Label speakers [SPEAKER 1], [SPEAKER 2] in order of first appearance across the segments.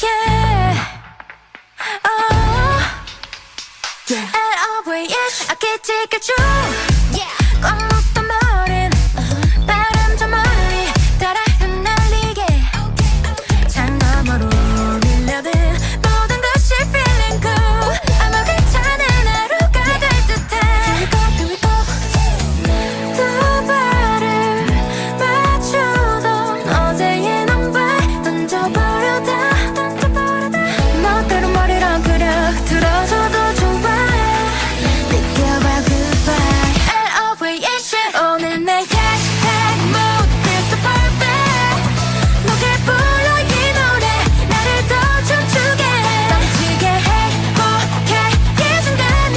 [SPEAKER 1] yeah. L-O-V-E 아끼지가 꽉 묶던 머린 바람 저 멀리 따라 흩날리게 창 너머로 밀려든 모든 것이 feeling good 아마 괜찮은 하루가 될 듯해 Here we go 두 발을 맞추던 어제의 넌발 던져버려다 멋대로 머리랑 그려 들어줘도 좋아 느껴봐 goodbye L-O-V-E 오늘 내 hashtag mood feels so perfect 높게 불러 이 노래 나를 더 춤추게 해 넘치게 행복해 이 순간이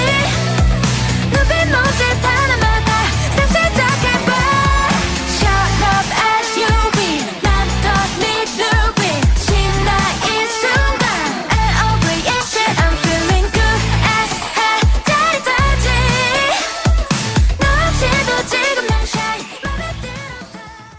[SPEAKER 1] 눈빛 모습 하나마다 새 시작해봐 Shut up SUV 난 더 네 눈빛 신나 이 순간 L-O-V-E I'm feeling good as hell 짜릿하지 너 없이도 지금 난 shy 맘에 들어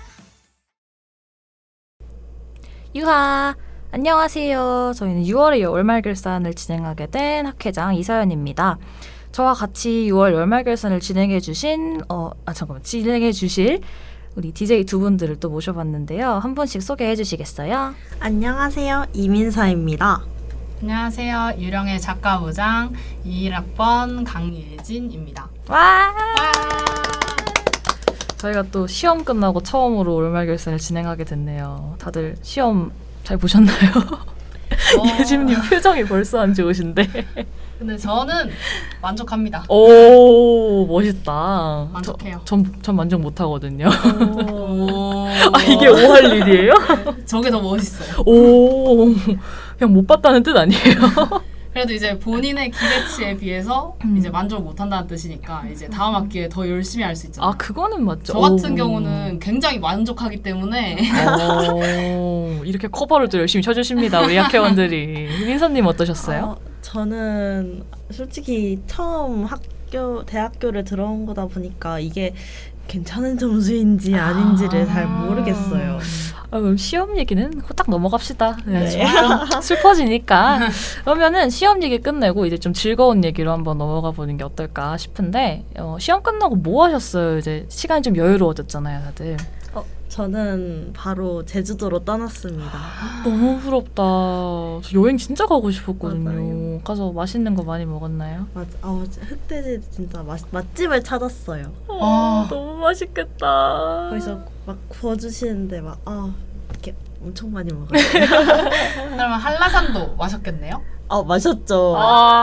[SPEAKER 2] 유하! 안녕하세요. 저희는 6월의 열말결산을 진행하게 된 학회장 이서연입니다. 저와 같이 6월 열말결산을 진행해주신 진행해주실 우리 DJ 두 분들을 또 모셔봤는데요. 한 분씩 소개해 주시겠어요?
[SPEAKER 3] 안녕하세요. 이민서입니다.
[SPEAKER 4] 안녕하세요. 유령의 작가부장 21학번 강예진입니다.
[SPEAKER 2] 와! 저희가 또 시험 끝나고 처음으로 월말결산을 진행하게 됐네요. 다들 시험 잘 보셨나요? 예진님 표정이 벌써 안 좋으신데.
[SPEAKER 4] 근데 저는 만족합니다.
[SPEAKER 2] 오, 멋있다.
[SPEAKER 4] 만족해요.
[SPEAKER 2] 전 만족 못 하거든요.
[SPEAKER 4] 오.
[SPEAKER 2] 아, 이게 오할 일이에요?
[SPEAKER 4] 저게 더 멋있어요.
[SPEAKER 2] 오, 그냥 못 봤다는 뜻 아니에요?
[SPEAKER 4] 그래도 이제 본인의 기대치에 비해서 이제 만족을 못 한다는 뜻이니까 이제 다음 학기에 더 열심히 할 수 있잖아요.
[SPEAKER 2] 아, 그거는 맞죠.
[SPEAKER 4] 저 같은
[SPEAKER 2] 오.
[SPEAKER 4] 경우는 굉장히 만족하기 때문에
[SPEAKER 2] 오, 이렇게 커버를 또 열심히 쳐주십니다. 우리 학회원들이. 민서님 어떠셨어요?
[SPEAKER 3] 저는 솔직히 처음 대학교를 들어온 거다 보니까 이게 괜찮은 점수인지 아닌지를 잘 모르겠어요.
[SPEAKER 2] 아, 그럼 시험 얘기는 후딱 넘어갑시다. 네,
[SPEAKER 3] 네.
[SPEAKER 2] 좀 슬퍼지니까. 그러면은 시험 얘기 끝내고 이제 좀 즐거운 얘기로 한번 넘어가 보는 게 어떨까 싶은데 시험 끝나고 뭐 하셨어요? 이제 시간이 좀 여유로워졌잖아요, 다들.
[SPEAKER 3] 저는 바로 제주도로 떠났습니다.
[SPEAKER 2] 너무 부럽다. 저 여행 진짜 가고 싶었거든요.
[SPEAKER 3] 맞아요.
[SPEAKER 2] 가서 맛있는 거 많이 먹었나요?
[SPEAKER 3] 맞아. 흑돼지 진짜 맛집을 찾았어요.
[SPEAKER 2] 너무 맛있겠다.
[SPEAKER 3] 거기서 막 구워주시는데 이렇게 엄청 많이 먹어요.
[SPEAKER 4] 그러면 한라산도 마셨겠네요?
[SPEAKER 3] 마셨죠.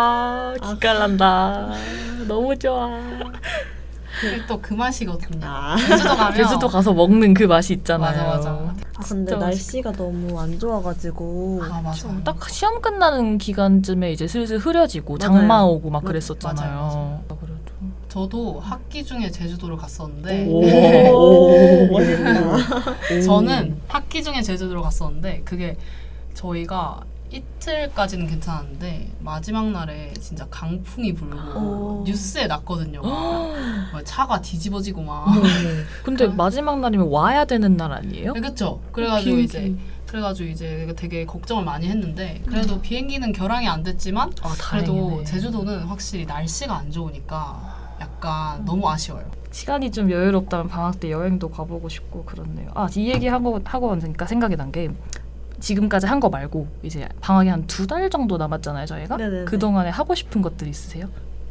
[SPEAKER 2] 기깔난다. 너무 좋아.
[SPEAKER 4] 그게 또 그 맛이거든요.
[SPEAKER 3] 아.
[SPEAKER 4] 제주도 가면
[SPEAKER 2] 제주도 가서 먹는 그 맛이 있잖아요.
[SPEAKER 4] 맞아.
[SPEAKER 3] 근데
[SPEAKER 2] 진짜
[SPEAKER 3] 날씨가 너무 안 좋아가지고
[SPEAKER 4] 아 맞아.
[SPEAKER 2] 딱 시험 끝나는 기간쯤에 이제 슬슬 흐려지고
[SPEAKER 3] 맞아요.
[SPEAKER 2] 장마 오고 막
[SPEAKER 3] 맞아요.
[SPEAKER 2] 그랬었잖아요. 그래도
[SPEAKER 4] 저도 학기 중에 제주도를 갔었는데
[SPEAKER 3] 오, 멋있다.
[SPEAKER 4] 저는 학기 중에 제주도를 갔었는데 그게 저희가 이틀까지는 괜찮았는데 마지막 날에 진짜 강풍이 불고
[SPEAKER 3] 오.
[SPEAKER 4] 뉴스에 났거든요. 막 차가 뒤집어지고 막.
[SPEAKER 2] 근데 마지막 날이면 와야 되는 날 아니에요?
[SPEAKER 4] 그렇죠. 그래가지고
[SPEAKER 2] 비행기.
[SPEAKER 4] 이제 되게 걱정을 많이 했는데 그래도 비행기는 결항이 안 됐지만 그래도
[SPEAKER 2] 다행이네.
[SPEAKER 4] 제주도는 확실히 날씨가 안 좋으니까 약간 너무 아쉬워요.
[SPEAKER 2] 시간이 좀 여유롭다면 방학 때 여행도 가보고 싶고 그렇네요. 이 얘기 하고 왔으니까 생각이 난 게 지금까지 한 거 말고 이제 방학이 한 2달 정도 남았잖아요, 저희가.
[SPEAKER 3] 네네네.
[SPEAKER 2] 그동안에 하고 싶은 것들 있으세요?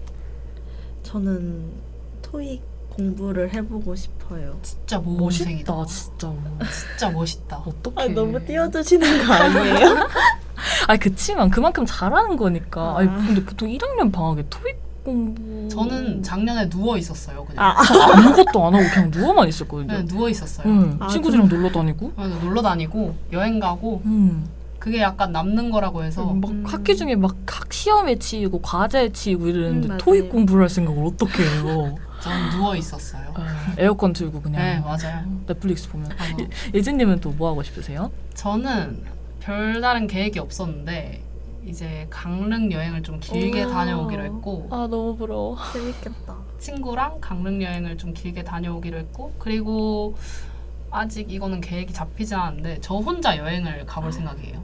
[SPEAKER 3] 저는 토익 공부를 해보고 싶어요.
[SPEAKER 4] 진짜 모범생이다.
[SPEAKER 2] 멋있다, 진짜.
[SPEAKER 4] 진짜 멋있다.
[SPEAKER 2] 어떡해.
[SPEAKER 3] 너무 띄워주시는 거 아니에요?
[SPEAKER 2] 그치만 그만큼 잘하는 거니까. 근데 보통 1학년 방학에 토익 공부.
[SPEAKER 4] 저는 작년에 누워 있었어요. 그냥
[SPEAKER 2] 아무것도 안 하고 그냥 누워만 있었거든요.
[SPEAKER 4] 그냥 누워 있었어요.
[SPEAKER 2] 친구들이랑 놀러 다니고.
[SPEAKER 4] 그래서 놀러 다니고 여행 가고 그게 약간 남는 거라고 해서
[SPEAKER 2] 막 학기 중에 막 시험에 치이고 과제에 치이고 이러는데
[SPEAKER 3] 맞아요.
[SPEAKER 2] 토익 공부를 할 생각을 어떻게 해요?
[SPEAKER 4] 저는 누워 있었어요.
[SPEAKER 2] 에어컨 틀고 그냥
[SPEAKER 4] 네 맞아요.
[SPEAKER 2] 넷플릭스 보면.
[SPEAKER 4] 맞아.
[SPEAKER 2] 예진님은 또 뭐 하고 싶으세요?
[SPEAKER 4] 저는 별다른 계획이 없었는데 이제 강릉 여행을 좀 길게
[SPEAKER 3] 우와.
[SPEAKER 4] 다녀오기로 했고
[SPEAKER 2] 너무 부러워.
[SPEAKER 3] 재밌겠다.
[SPEAKER 4] 친구랑 강릉 여행을 좀 길게 다녀오기로 했고 그리고 아직 이거는 계획이 잡히지 않았는데 저 혼자 여행을 가볼 생각이에요.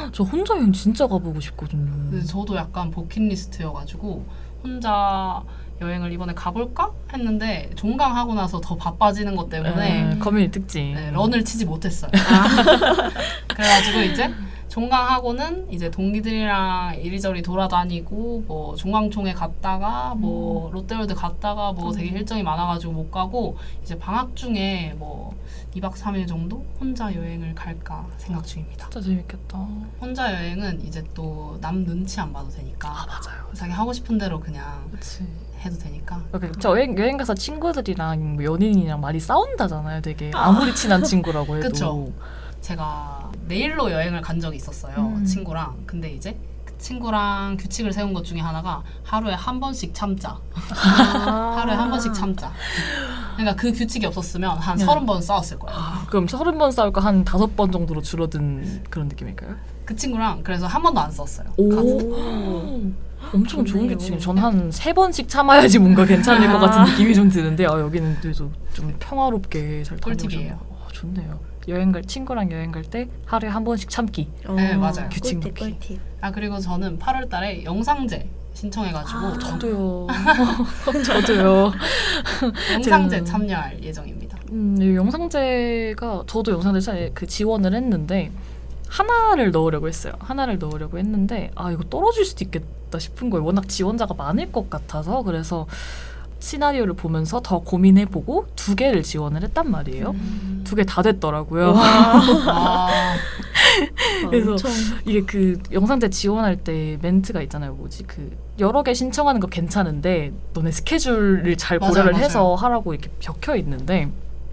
[SPEAKER 2] 저 혼자 여행 진짜 가보고 싶거든요.
[SPEAKER 4] 근데 저도 약간 버킷리스트여가지고 혼자 여행을 이번에 가볼까 했는데 종강하고 나서 더 바빠지는 것 때문에
[SPEAKER 2] 커뮤니티 특징.
[SPEAKER 4] 네, 런을 치지 못했어요. 그래가지고 이제 종강하고는 이제 동기들이랑 이리저리 돌아다니고 뭐 종강총회 갔다가 뭐 롯데월드 갔다가 뭐 되게 일정이 많아가지고 못 가고 이제 방학 중에 뭐 2박 3일 정도 혼자 여행을 갈까 생각 중입니다.
[SPEAKER 2] 진짜 재밌겠다.
[SPEAKER 4] 혼자 여행은 이제 또 남 눈치 안 봐도 되니까
[SPEAKER 2] 맞아요.
[SPEAKER 4] 자기 하고 싶은 대로 그냥
[SPEAKER 2] 그치.
[SPEAKER 4] 해도 되니까.
[SPEAKER 2] 저 여행 가서 친구들이랑 뭐 연인이랑 많이 싸운다잖아요. 되게 아무리 친한 친구라고 해도.
[SPEAKER 4] 그쵸. 제가 내일로 여행을 간 적이 있었어요. 친구랑. 근데 이제 그 친구랑 규칙을 세운 것 중에 하나가 하루에 한 번씩 참자. 하루에 한 번씩 참자. 그러니까 그 규칙이 없었으면 한 30번 싸웠을 거예요.
[SPEAKER 2] 그럼 30번 싸울까 한 5번 정도로 줄어든 그런 느낌일까요?
[SPEAKER 4] 그 친구랑 그래서 한 번도 안 싸웠어요.
[SPEAKER 2] 엄청 좋은
[SPEAKER 3] 좋네요.
[SPEAKER 2] 규칙이에요. 전 한 3번씩 참아야지 뭔가 괜찮을 것 같은 느낌이 좀 드는데 여기는 그래도 좀 평화롭게 잘
[SPEAKER 4] 꿀팁이에요.
[SPEAKER 2] 다녀오셨네요. 좋네요. 친구랑 여행 갈 때 하루에 한 번씩 참기.
[SPEAKER 4] 네, 맞아요.
[SPEAKER 2] 규칙
[SPEAKER 3] 꿀팁
[SPEAKER 2] 넣기.
[SPEAKER 3] 꿀팁.
[SPEAKER 4] 그리고 저는 8월 달에 영상제 신청해가지고
[SPEAKER 2] 저도요. 저도요.
[SPEAKER 4] 영상제 참여할 예정입니다.
[SPEAKER 2] 이 영상제가 저도 영상제 그 지원을 했는데 하나를 넣으려고 했어요. 하나를 넣으려고 했는데 이거 떨어질 수도 있겠다 싶은 거예요. 워낙 지원자가 많을 것 같아서. 그래서 시나리오를 보면서 더 고민해보고 2개를 지원을 했단 말이에요. 2개 다 됐더라고요. 그래서
[SPEAKER 3] 엄청
[SPEAKER 2] 이게 그 영상제 지원할 때 멘트가 있잖아요. 그 여러 개 신청하는 거 괜찮은데 너네 스케줄을 잘
[SPEAKER 4] 맞아요,
[SPEAKER 2] 고려를
[SPEAKER 4] 맞아요.
[SPEAKER 2] 해서 하라고 이렇게 적혀 있는데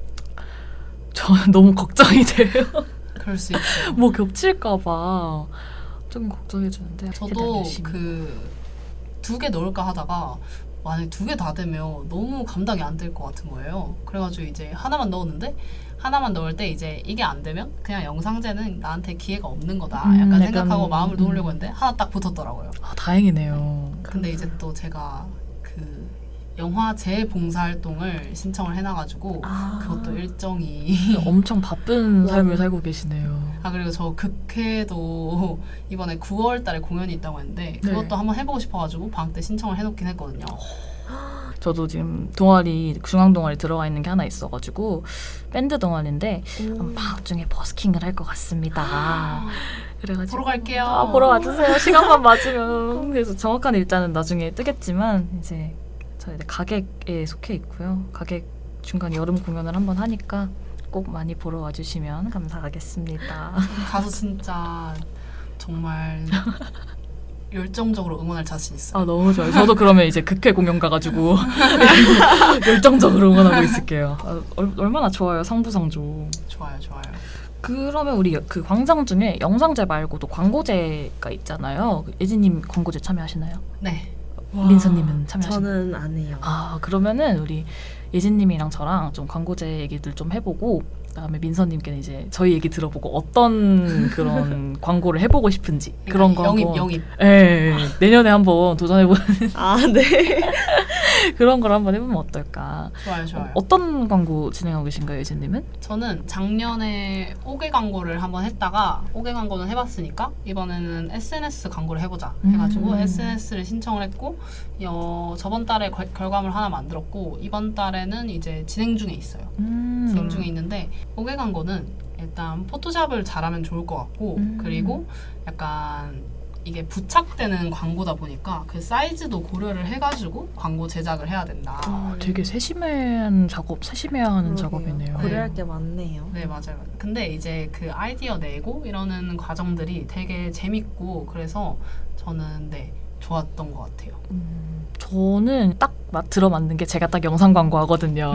[SPEAKER 2] 저는 너무 걱정이 돼요.
[SPEAKER 4] 그럴 수 있죠.
[SPEAKER 2] 뭐 겹칠까봐 좀 걱정해주는데
[SPEAKER 4] 저도
[SPEAKER 2] 일단 열심히.
[SPEAKER 4] 그 2개 넣을까 하다가 만약에 2개 다 되면 너무 감당이 안 될 것 같은 거예요. 그래가지고 이제 하나만 넣었는데 하나만 넣을 때 이제 이게 안 되면 그냥 영상제는 나한테 기회가 없는 거다 약간 생각하고 마음을 놓으려고 했는데 하나 딱 붙었더라고요.
[SPEAKER 2] 다행이네요.
[SPEAKER 4] 근데 이제 또 제가 그 영화 재봉사활동을 신청을 해놔가지고 그것도 일정이
[SPEAKER 2] 엄청 바쁜 삶을 살고 계시네요.
[SPEAKER 4] 그리고 저 극회도 이번에 9월 달에 공연이 있다고 했는데 그것도
[SPEAKER 2] 네.
[SPEAKER 4] 한번 해보고 싶어가지고 방학 때 신청을 해놓긴 했거든요.
[SPEAKER 2] 저도 지금 중앙 동아리 들어가 있는 게 하나 있어가지고 밴드 동아리인데 방학 중에 버스킹을 할 것 같습니다. 그래가지고
[SPEAKER 4] 보러 갈게요.
[SPEAKER 2] 보러 와주세요. 시간만 맞으면. 그래서 정확한 일자는 나중에 뜨겠지만 이제 저희 가객에 속해 있고요. 가객 중간 여름 공연을 한번 하니까 꼭 많이 보러 와주시면 감사하겠습니다.
[SPEAKER 4] 가서 진짜 정말 열정적으로 응원할 자신 있어요.
[SPEAKER 2] 너무 좋아요. 저도 그러면 이제 극회 공연 가가지고 열정적으로 응원하고 있을게요. 얼마나 좋아요. 상부상조.
[SPEAKER 4] 좋아요.
[SPEAKER 2] 그러면 우리 그 광장 중에 영상제 말고도 광고제가 있잖아요. 예진님 광고제 참여하시나요?
[SPEAKER 4] 네.
[SPEAKER 2] 민서님은 참여하시나요?
[SPEAKER 3] 저는 안 해요.
[SPEAKER 2] 그러면은 우리 예진님이랑 저랑 좀 광고제 얘기들 좀 해보고 그다음에 민서님께는 이제 저희 얘기 들어보고 어떤 그런 광고를 해보고 싶은지 그런 거
[SPEAKER 4] 영입.
[SPEAKER 2] 예, 내년에 한번 도전해보는
[SPEAKER 3] 네.
[SPEAKER 2] 그런 걸 한번 해보면 어떨까?
[SPEAKER 4] 좋아요.
[SPEAKER 2] 어떤 광고 진행하고 계신가요, 예진님은?
[SPEAKER 4] 저는 작년에 5개 광고를 한번 했다가 5개 광고는 해봤으니까 이번에는 SNS 광고를 해보자 해가지고 SNS를 신청을 했고 저번 달에 결과물 하나 만들었고 이번 달에는 이제 진행 중에 있어요. 진행 중에 있는데 5개 광고는 일단 포토샵을 잘하면 좋을 것 같고 그리고 약간 이게 부착되는 광고다 보니까 그 사이즈도 고려를 해가지고 광고 제작을 해야 된다.
[SPEAKER 2] 되게 세심해야 하는 작업이네요.
[SPEAKER 3] 고려할 게 많네요.
[SPEAKER 4] 네, 맞아요. 근데 이제 그 아이디어 내고 이러는 과정들이 되게 재밌고 그래서 저는 좋았던 것 같아요.
[SPEAKER 2] 저는 딱 들어맞는 게 제가 딱 영상 광고 하거든요.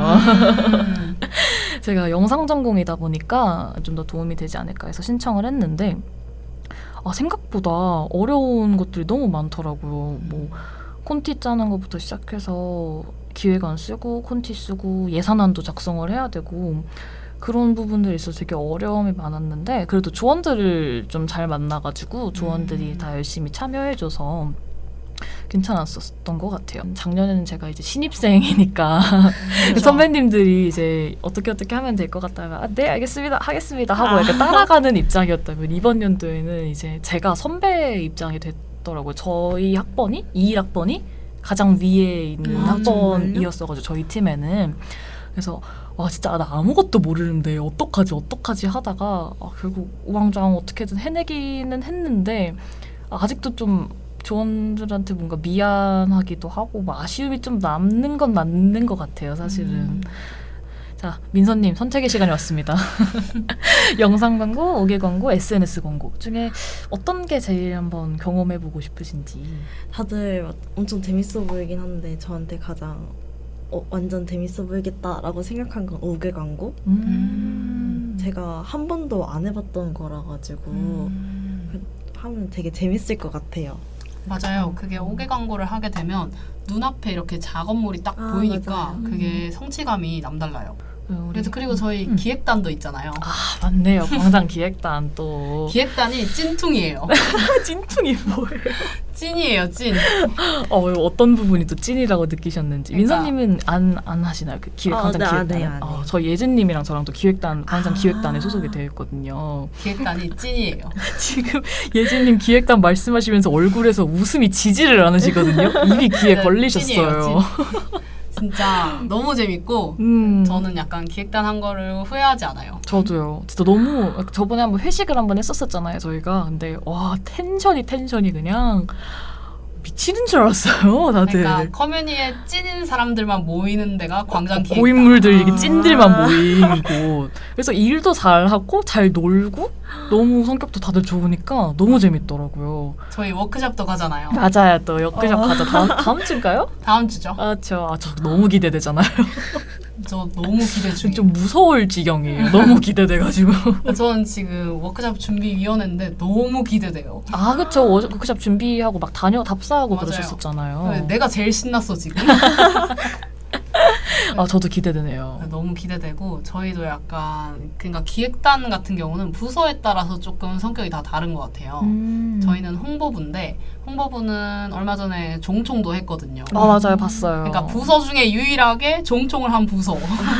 [SPEAKER 2] 제가 영상 전공이다 보니까 좀 더 도움이 되지 않을까 해서 신청을 했는데 생각보다 어려운 것들이 너무 많더라고요. 뭐 콘티 짜는 것부터 시작해서 기획안 쓰고 콘티 쓰고 예산안도 작성을 해야 되고 그런 부분들이 있어서 되게 어려움이 많았는데 그래도 조원들을 좀 잘 만나가지고 조원들이 다 열심히 참여해줘서 괜찮았었던 것 같아요. 작년에는 제가 이제 신입생이니까 선배님들이 이제 어떻게 하면 될 것 같다가 네 알겠습니다 하겠습니다 하고 이렇게 따라가는 입장이었다면 이번 연도에는 이제 제가 선배 입장이 됐더라고요. 저희 학번이 21학번이 가장 위에 있는 학번이었어가지고 저희 팀에는. 그래서 와 진짜 나 아무것도 모르는데 어떡하지 하다가 결국 우왕좌왕 어떻게든 해내기는 했는데 아직도 좀 조원들한테 뭔가 미안하기도 하고 뭐 아쉬움이 좀 남는 건 맞는 것 같아요 사실은. 자 민서님 선택의 시간이 왔습니다. 영상 광고, 5개 광고, SNS 광고 중에 어떤 게 제일 한번 경험해보고 싶으신지.
[SPEAKER 3] 다들 막 엄청 재밌어 보이긴 한데 저한테 가장 완전 재밌어 보이겠다라고 생각한 건 5개 광고. 제가 한 번도 안 해봤던 거라 가지고 하면 되게 재밌을 것 같아요.
[SPEAKER 4] 맞아요. 그게 5개 광고를 하게 되면 눈앞에 이렇게 작업물이 딱 보이니까
[SPEAKER 3] 맞아요.
[SPEAKER 4] 그게 성취감이 남달라요.
[SPEAKER 2] 우리
[SPEAKER 4] 그래서 그리고 저희 기획단도 있잖아요.
[SPEAKER 2] 아 맞네요. 광장 기획단 또
[SPEAKER 4] 기획단이 찐퉁이에요.
[SPEAKER 2] 찐퉁이 뭐예요?
[SPEAKER 4] 찐이에요, 찐.
[SPEAKER 2] 어떤 부분이 또 찐이라고 느끼셨는지.
[SPEAKER 4] 그러니까.
[SPEAKER 2] 민서님은 안 하시나요? 그 광장
[SPEAKER 3] 네, 안
[SPEAKER 2] 기획단.
[SPEAKER 3] 해요, 안 해요.
[SPEAKER 2] 저희 예진님이랑 저랑 또 기획단 광장 기획단에 소속이 되어 있거든요.
[SPEAKER 4] 기획단이 찐이에요.
[SPEAKER 2] 지금 예진님 기획단 말씀하시면서 얼굴에서 웃음이 지지를 않으시거든요. 입이 귀에
[SPEAKER 4] 네,
[SPEAKER 2] 걸리셨어요.
[SPEAKER 4] 찐이에요, 찐. 진짜 너무 재밌고 저는 약간 기획단 한 거를 후회하지 않아요.
[SPEAKER 2] 저도요. 진짜 너무 저번에 한번 회식을 한번 했었잖아요 저희가. 근데 와 텐션이 그냥 미치는 줄 알았어요 다들.
[SPEAKER 4] 그러니까 커뮤니에 찐인 사람들만 모이는 데가 광장 기획단.
[SPEAKER 2] 고인물들 이게 찐들만 모인 곳. 그래서 일도 잘하고 잘 놀고 너무 성격도 다들 좋으니까 너무 재밌더라고요.
[SPEAKER 4] 저희 워크숍도 가잖아요.
[SPEAKER 2] 맞아요. 또 역대적 가자. 다음 주인가요?
[SPEAKER 4] 다음 주죠.
[SPEAKER 2] 저 너무 기대되잖아요.
[SPEAKER 4] 저 너무 기대 중이에요.
[SPEAKER 2] 좀 무서울 지경이에요. 너무 기대돼가지고.
[SPEAKER 4] 저는 지금 워크숍 준비위원회인데 너무 기대돼요.
[SPEAKER 2] 아 그쵸. 워크숍 준비하고 막 답사하고
[SPEAKER 4] 맞아요.
[SPEAKER 2] 그러셨었잖아요.
[SPEAKER 4] 내가 제일 신났어 지금.
[SPEAKER 2] 저도 기대되네요.
[SPEAKER 4] 너무 기대되고 저희도 약간 그러니까 기획단 같은 경우는 부서에 따라서 조금 성격이 다 다른 것 같아요. 저희는 홍보부인데 홍보부는 얼마 전에 종총도 했거든요.
[SPEAKER 2] 맞아요. 봤어요.
[SPEAKER 4] 그러니까 부서 중에 유일하게 종총을 한 부서.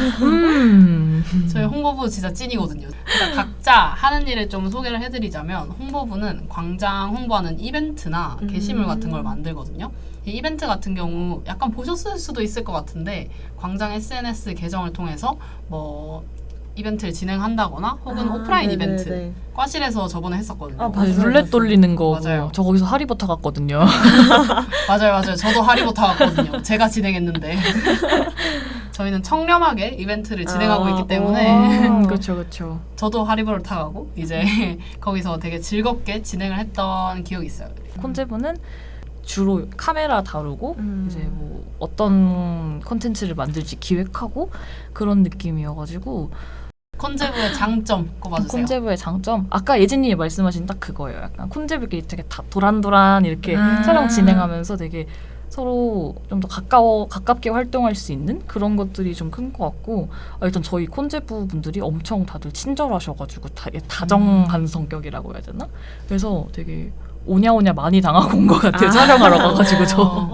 [SPEAKER 4] 저희 홍보부 진짜 찐이거든요. 그러니까 각자 하는 일을 좀 소개를 해드리자면 홍보부는 광장 홍보하는 이벤트나 게시물 같은 걸 만들거든요. 이 이벤트 같은 경우 약간 보셨을 수도 있을 것 같은데 광장 SNS 계정을 통해서 뭐 이벤트를 진행한다거나 혹은 오프라인
[SPEAKER 3] 네네네.
[SPEAKER 4] 이벤트 과실에서 저번에 했었거든요.
[SPEAKER 3] 봤어요,
[SPEAKER 2] 룰렛
[SPEAKER 3] 봤어요.
[SPEAKER 2] 돌리는 거.
[SPEAKER 4] 맞아요.
[SPEAKER 2] 저 거기서 하리버터 갔거든요.
[SPEAKER 4] 맞아요. 저도 하리보타 갔거든요. 제가 진행했는데 저희는 청렴하게 이벤트를 진행하고 있기 때문에
[SPEAKER 2] 그렇죠.
[SPEAKER 4] 저도 하리보를 타가고 이제 거기서 되게 즐겁게 진행을 했던 기억이 있어요.
[SPEAKER 2] 콘제브는 주로 카메라 다루고 이제 뭐 어떤 콘텐츠를 만들지 기획하고 그런 느낌이어가지고.
[SPEAKER 4] 콘제브의 장점 꼽아주세요.
[SPEAKER 2] 콘제브의 장점? 아까 예진님이 말씀하신 딱 그거예요. 약간 콘제브끼리 되게 다 도란도란 이렇게 촬영 진행하면서 되게 서로 좀 더 가깝게 활동할 수 있는 그런 것들이 좀 큰 것 같고, 일단 저희 콘제브 분들이 엄청 다들 친절하셔가지고 다정한 성격이라고 해야 되나? 그래서 되게 오냐오냐 많이 당하고 온 것 같아요. 촬영하러 가가지고 저.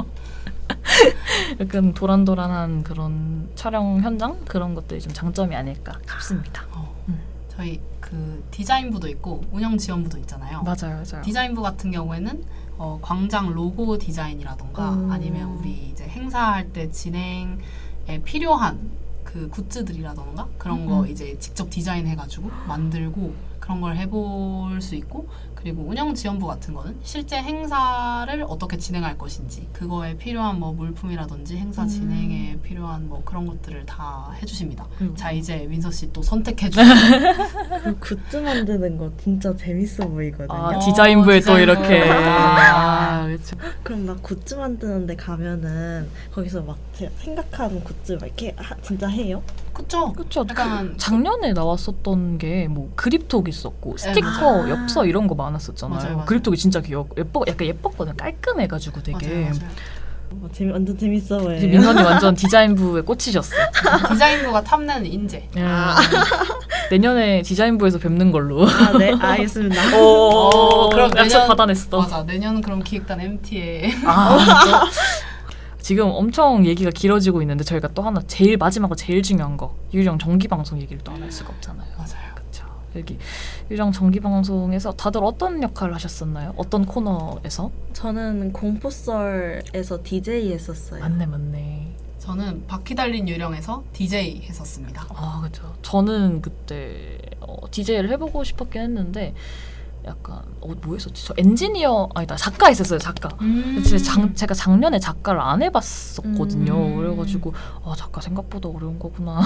[SPEAKER 2] 약간 도란도란한 그런 촬영 현장 그런 것들이 좀 장점이 아닐까 싶습니다.
[SPEAKER 4] 저희 그 디자인부도 있고 운영 지원부도 있잖아요.
[SPEAKER 2] 맞아요.
[SPEAKER 4] 디자인부 같은 경우에는 광장 로고 디자인이라던가 아니면 우리 이제 행사할 때 진행에 필요한 그 굿즈들이라던가 그런 거 이제 직접 디자인해가지고 만들고 그런 걸 해볼 수 있고, 그리고 운영 지원부 같은 거는 실제 행사를 어떻게 진행할 것인지 그거에 필요한 뭐 물품이라든지 행사 진행에 필요한 뭐 그런 것들을 다 해주십니다. 자 이제 민서 씨 또 선택해 주세요.
[SPEAKER 3] 그 굿즈 만드는 거 진짜 재밌어 보이거든요.
[SPEAKER 2] 디자인부에 또
[SPEAKER 4] 디자인부.
[SPEAKER 2] 이렇게. 그렇죠.
[SPEAKER 3] 그럼 막 굿즈 만드는데 가면은 거기서 막 제가 생각한 굿즈 막 이렇게 진짜 해요?
[SPEAKER 4] 그쵸? 약간
[SPEAKER 2] 작년에 나왔었던 게 뭐 그립톡 있었고 스티커,
[SPEAKER 4] 맞아요.
[SPEAKER 2] 엽서 이런 거 많았었잖아요.
[SPEAKER 4] 맞아요.
[SPEAKER 2] 그립톡이 진짜 약간 예뻤거든. 깔끔해가지고 되게.
[SPEAKER 4] 맞아요.
[SPEAKER 3] 완전 재밌어 보여요.
[SPEAKER 2] 민선이 완전 디자인부에 꽂히셨어.
[SPEAKER 4] 디자인부가 탐내는 인재.
[SPEAKER 2] 내년에 디자인부에서 뵙는 걸로.
[SPEAKER 3] 아, 네, 알겠습니다.
[SPEAKER 2] 그럼 약속 받아냈어.
[SPEAKER 4] 맞아. 내년은 그럼 기획단 MT에
[SPEAKER 2] 진짜? 지금 엄청 얘기가 길어지고 있는데 저희가 또 하나 제일 마지막으로 제일 중요한 거 유령 정기 방송 얘기를 또 안 할 수가 없잖아요.
[SPEAKER 4] 맞아요.
[SPEAKER 2] 그렇죠. 여기 유령 정기 방송에서 다들 어떤 역할을 하셨었나요? 어떤 코너에서?
[SPEAKER 3] 저는 공포썰에서 DJ 했었어요.
[SPEAKER 2] 맞네.
[SPEAKER 4] 저는 바퀴 달린 유령에서 DJ 했었습니다.
[SPEAKER 2] 아 그렇죠. 저는 그때 DJ를 해보고 싶었긴 했는데 약간 뭐 했었지? 저 엔지니어 아니다 작가 했었어요. 작가. 제가 작년에 작가를 안 해봤었거든요. 그래가지고 작가 생각보다 어려운 거구나.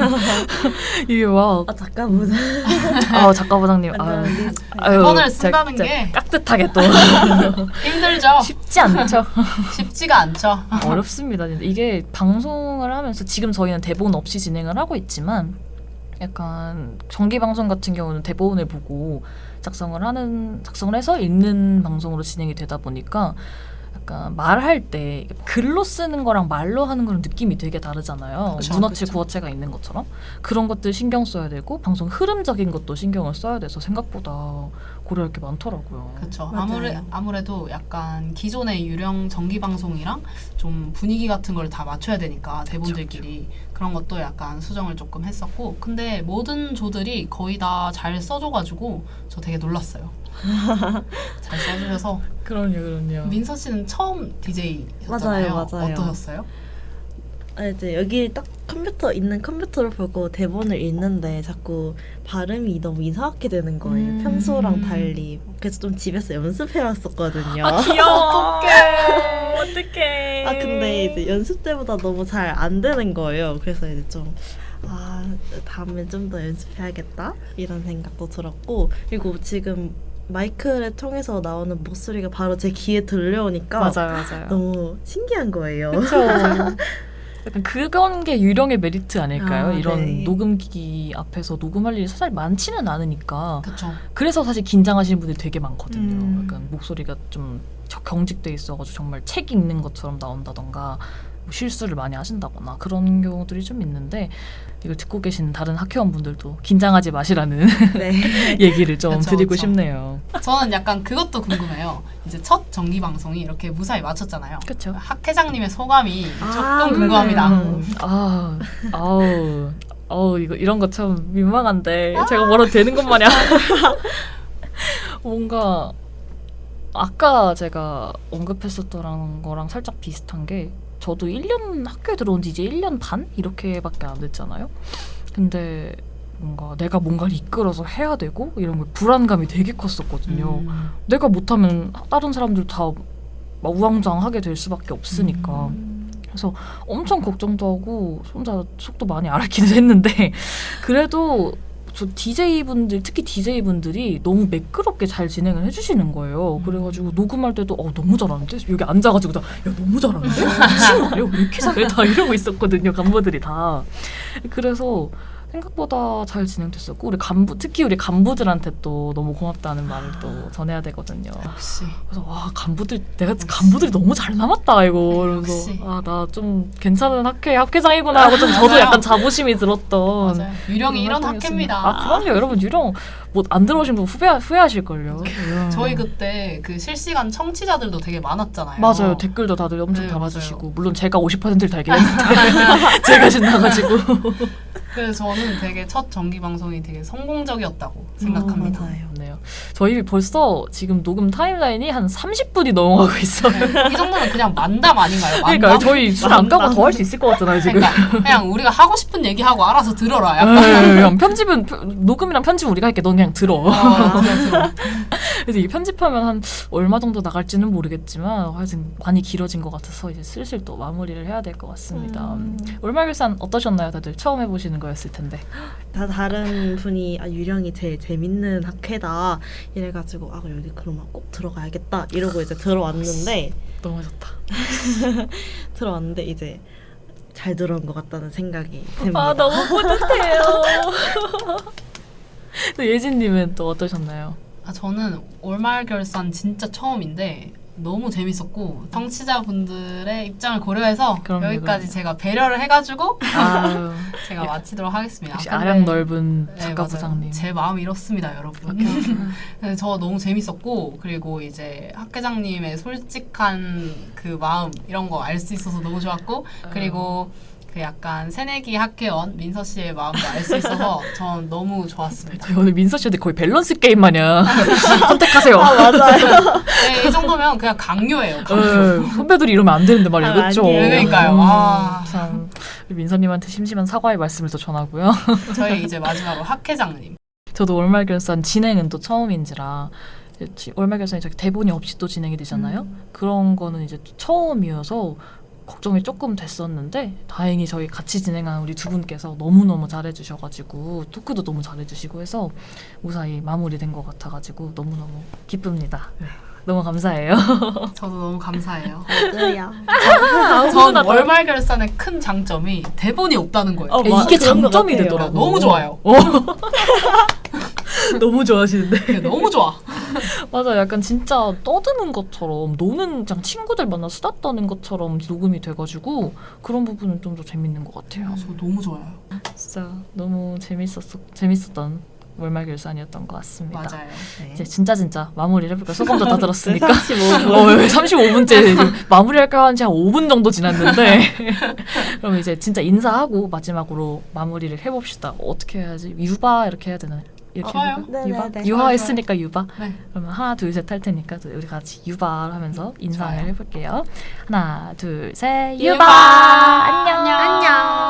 [SPEAKER 2] 이게 막
[SPEAKER 3] 아, 잠깐만.
[SPEAKER 2] 작가 부장님
[SPEAKER 4] 대본을 쓴다는 게
[SPEAKER 2] 깍듯하게 또
[SPEAKER 4] 힘들죠.
[SPEAKER 2] 쉽지 않죠.
[SPEAKER 4] 쉽지가 않죠.
[SPEAKER 2] 어렵습니다. 이게 방송을 하면서 지금 저희는 대본 없이 진행을 하고 있지만 약간 정기 방송 같은 경우는 대본을 보고 작성을 해서 읽는 방송으로 진행이 되다 보니까 약간 말할 때 글로 쓰는 거랑 말로 하는 거랑 느낌이 되게 다르잖아요.
[SPEAKER 4] 그쵸,
[SPEAKER 2] 문어체
[SPEAKER 4] 그쵸.
[SPEAKER 2] 구어체가 있는 것처럼 그런 것들 신경 써야 되고 방송 흐름적인 것도 신경을 써야 돼서 생각보다 고려할 게 많더라고요.
[SPEAKER 4] 그렇죠.
[SPEAKER 3] 맞아요.
[SPEAKER 4] 아무래도 약간 기존의 유령 정기 방송이랑 좀 분위기 같은 걸 다 맞춰야 되니까 대본들끼리 그런 것도 약간 수정을 조금 했었고 근데 모든 조들이 거의 다 잘 써줘가지고 저 되게 놀랐어요. 잘 써주셔서
[SPEAKER 2] 그럼요.
[SPEAKER 4] 민서 씨는 처음 DJ였잖아요.
[SPEAKER 3] 맞아요.
[SPEAKER 4] 어떠셨어요?
[SPEAKER 3] 이제 여기 딱 컴퓨터를 보고 대본을 읽는데 자꾸 발음이 너무 이상하게 되는 거예요. 평소랑 달리. 그래서 좀 집에서 연습해 왔었거든요.
[SPEAKER 2] 귀여워. 어떡해.
[SPEAKER 3] 근데 이제 연습 때보다 너무 잘 안 되는 거예요. 그래서 이제 좀 다음에 좀 더 연습해야겠다 이런 생각도 들었고 그리고 지금 마이크를 통해서 나오는 목소리가 바로 제 귀에 들려오니까
[SPEAKER 2] 맞아요.
[SPEAKER 3] 너무 신기한 거예요.
[SPEAKER 2] 그렇죠. 약간 그건 게 유령의 메리트 아닐까요? 이런
[SPEAKER 3] 네.
[SPEAKER 2] 녹음기 앞에서 녹음할 일이 사실 많지는 않으니까
[SPEAKER 4] 그렇죠.
[SPEAKER 2] 그래서 사실 긴장하시는 분들이 되게 많거든요.
[SPEAKER 3] 음.
[SPEAKER 2] 약간 목소리가 좀 경직돼 있어가지고 정말 책 읽는 것처럼 나온다던가 뭐 실수를 많이 하신다거나 그런 경우들이 좀 있는데 이걸 듣고 계신 다른 학회원분들도 긴장하지 마시라는
[SPEAKER 3] 네.
[SPEAKER 2] 얘기를 좀
[SPEAKER 4] 그쵸,
[SPEAKER 2] 드리고
[SPEAKER 4] 그쵸.
[SPEAKER 2] 싶네요.
[SPEAKER 4] 저는 약간 그것도 궁금해요. 이제 첫 정기 방송이 이렇게 무사히 마쳤잖아요.
[SPEAKER 2] 그렇죠.
[SPEAKER 4] 학 회장님의 소감이
[SPEAKER 3] 아,
[SPEAKER 4] 조금 궁금합니다.
[SPEAKER 2] 이런 거 참 민망한데 제가 뭐라도 되는 것 마냥 뭔가 아까 제가 언급했었던 거랑 살짝 비슷한 게 저도 1년 학교에 들어온 지 이제 1년 반? 이렇게밖에 안 됐잖아요. 근데 뭔가 내가 뭔가를 이끌어서 해야 되고 이런 걸 불안감이 되게 컸었거든요. 내가 못하면 다른 사람들 다 막 우왕좌왕하게 될 수밖에 없으니까. 그래서 엄청 걱정도 하고 혼자 속도 많이 앓기도 했는데 그래도 저 DJ분들 특히 DJ분들이 너무 매끄럽게 잘 진행을 해주시는 거예요. 그래가지고 녹음할 때도 너무 잘하는데 여기 앉아가지고 야 너무 잘하는데 미친 거 아니야? 왜 이렇게 잘해? 다 이러고 있었거든요. 간부들이 다. 그래서 생각보다 잘 진행됐었고 특히 우리 간부들한테 또 너무 고맙다는 말을 또 전해야 되거든요.
[SPEAKER 4] 역시.
[SPEAKER 2] 그래서 간부들이 너무 잘 남았다 이거.
[SPEAKER 4] 역시.
[SPEAKER 2] 그래서 나 좀 괜찮은 학회장이구나 하고 좀 저도
[SPEAKER 4] 맞아요.
[SPEAKER 2] 약간 자부심이 들었던.
[SPEAKER 4] 맞아요. 유령이 이런
[SPEAKER 2] 활동이었습니다.
[SPEAKER 4] 학회입니다.
[SPEAKER 2] 그럼요 여러분 유령 뭐 안 들어오신 분 후회하실걸요.
[SPEAKER 4] 저희 그때 그 실시간 청취자들도 되게 많았잖아요.
[SPEAKER 2] 맞아요 댓글도 다들 엄청
[SPEAKER 4] 네,
[SPEAKER 2] 달아주시고
[SPEAKER 4] 맞아요.
[SPEAKER 2] 물론 제가 50%를 달긴 했는데 제가 신나가지고
[SPEAKER 4] 그래서 저는 되게 첫 정기 방송이 되게 성공적이었다고 생각합니다.
[SPEAKER 3] 맞아요.
[SPEAKER 2] 네요. 저희 벌써 지금 녹음 타임라인이 한 30분이 넘어가고 있어요.
[SPEAKER 4] 이 정도면 그냥 만담 아닌가요? 만담?
[SPEAKER 2] 그러니까 저희 술 안 까고 더 할 수 있을 것 같잖아요 지금.
[SPEAKER 4] 그러니까 그냥 우리가 하고 싶은 얘기하고 알아서 들어라. 약간.
[SPEAKER 2] 그냥 녹음이랑 편집 우리가 할게. 넌 그냥 들어.
[SPEAKER 4] 들어.
[SPEAKER 2] 그래서 이 편집하면 한 얼마 정도 나갈지는 모르겠지만 하여튼 많이 길어진 것 같아서 이제 슬슬 또 마무리를 해야 될 것 같습니다. 월말결산 어떠셨나요? 다들 처음 해보시는 거였을 텐데.
[SPEAKER 3] 다 다른 분이 유령이 제일 재밌는 학회다 이래가지고 여기 그러면 꼭 들어가야겠다 이러고 이제 들어왔는데
[SPEAKER 2] 너무 좋다.
[SPEAKER 3] 들어왔는데 이제 잘 들어온 것 같다는 생각이 듭니다.
[SPEAKER 2] 너무 뿌듯해요. 또 예진님은 또 어떠셨나요?
[SPEAKER 4] 저는 월말 결산 진짜 처음인데 너무 재밌었고 청취자분들의 입장을 고려해서
[SPEAKER 2] 그럼요,
[SPEAKER 4] 여기까지
[SPEAKER 2] 그럼요.
[SPEAKER 4] 제가 배려를 해가지고
[SPEAKER 2] 아유,
[SPEAKER 4] 제가 마치도록 하겠습니다.
[SPEAKER 2] 역시
[SPEAKER 4] 근데-
[SPEAKER 2] 아량 넓은
[SPEAKER 4] 네,
[SPEAKER 2] 작가부장님.
[SPEAKER 4] 맞아요. 제 마음이 이렇습니다, 여러분. 네, 저 너무 재밌었고 그리고 이제 학회장님의 솔직한 그 마음 이런 거 알 수 있어서 너무 좋았고 그리고 그 약간 새내기 학회원 민서 씨의 마음도 알 수 있어서 전 너무 좋았습니다.
[SPEAKER 2] 저희 오늘 민서 씨한테 거의 밸런스 게임 마냥 선택하세요.
[SPEAKER 3] 맞아요.
[SPEAKER 4] 네, 이 정도면 그냥 강요예요. 강요.
[SPEAKER 2] 선배들이 이러면 안 되는데 말이에요.
[SPEAKER 3] 아,
[SPEAKER 2] 그렇죠?
[SPEAKER 3] 아니에요.
[SPEAKER 4] 그러니까요. 아.
[SPEAKER 2] 참 우리 민서님한테 심심한 사과의 말씀을 또 전하고요.
[SPEAKER 4] 저희 이제 마지막으로 학회장님.
[SPEAKER 2] 저도 월말결산 진행은 또 처음인지라 월말결산이 저기 대본이 없이 또 진행이 되잖아요. 그런 거는 이제 또 처음이어서 걱정이 조금 됐었는데 다행히 저희 같이 진행한 우리 두 분께서 너무너무 잘해주셔가지고 토크도 너무 잘해주시고 해서 무사히 마무리된 것 같아가지고 너무너무 기쁩니다. 너무 감사해요.
[SPEAKER 4] 저도 너무 감사해요.
[SPEAKER 3] 맞아요.
[SPEAKER 4] 전 월말 결산의 큰 장점이 대본이 없다는 거예요.
[SPEAKER 2] 이게
[SPEAKER 3] 그런 것
[SPEAKER 2] 장점이
[SPEAKER 3] 같아요.
[SPEAKER 2] 되더라고요.
[SPEAKER 4] 너무 좋아요.
[SPEAKER 2] 너무 좋아하시는데.
[SPEAKER 4] 네, 너무 좋아.
[SPEAKER 2] 맞아, 약간 진짜 떠드는 것처럼 노는 그냥 친구들 만나 수다 떠는 것처럼 녹음이 돼가지고 그런 부분은 좀 더 재밌는 것 같아요.
[SPEAKER 4] 저 너무 좋아요.
[SPEAKER 2] 진짜 너무 재밌었던 월말 결산이었던 것 같습니다.
[SPEAKER 4] 맞아요.
[SPEAKER 2] 이제 진짜 마무리를 해볼까요? 소감도 다 들었으니까.
[SPEAKER 3] 35분.
[SPEAKER 2] 35분째 마무리할까 한지 한 5분 정도 지났는데 그럼 이제 진짜 인사하고 마지막으로 마무리를 해봅시다. 어떻게 해야지? 유바 이렇게 해야 되나요? 이렇게
[SPEAKER 4] 좋아요.
[SPEAKER 2] 해볼까요?
[SPEAKER 3] 네,
[SPEAKER 2] 유바?
[SPEAKER 3] 네, 네.
[SPEAKER 2] 유화했으니까 유바.
[SPEAKER 4] 네.
[SPEAKER 2] 그러면 하나 둘 셋 할 테니까 우리 같이 유바 하면서 인사를
[SPEAKER 4] 좋아요.
[SPEAKER 2] 해볼게요. 하나 둘 셋
[SPEAKER 4] 유바!
[SPEAKER 2] 유바. 안녕.
[SPEAKER 3] 안녕.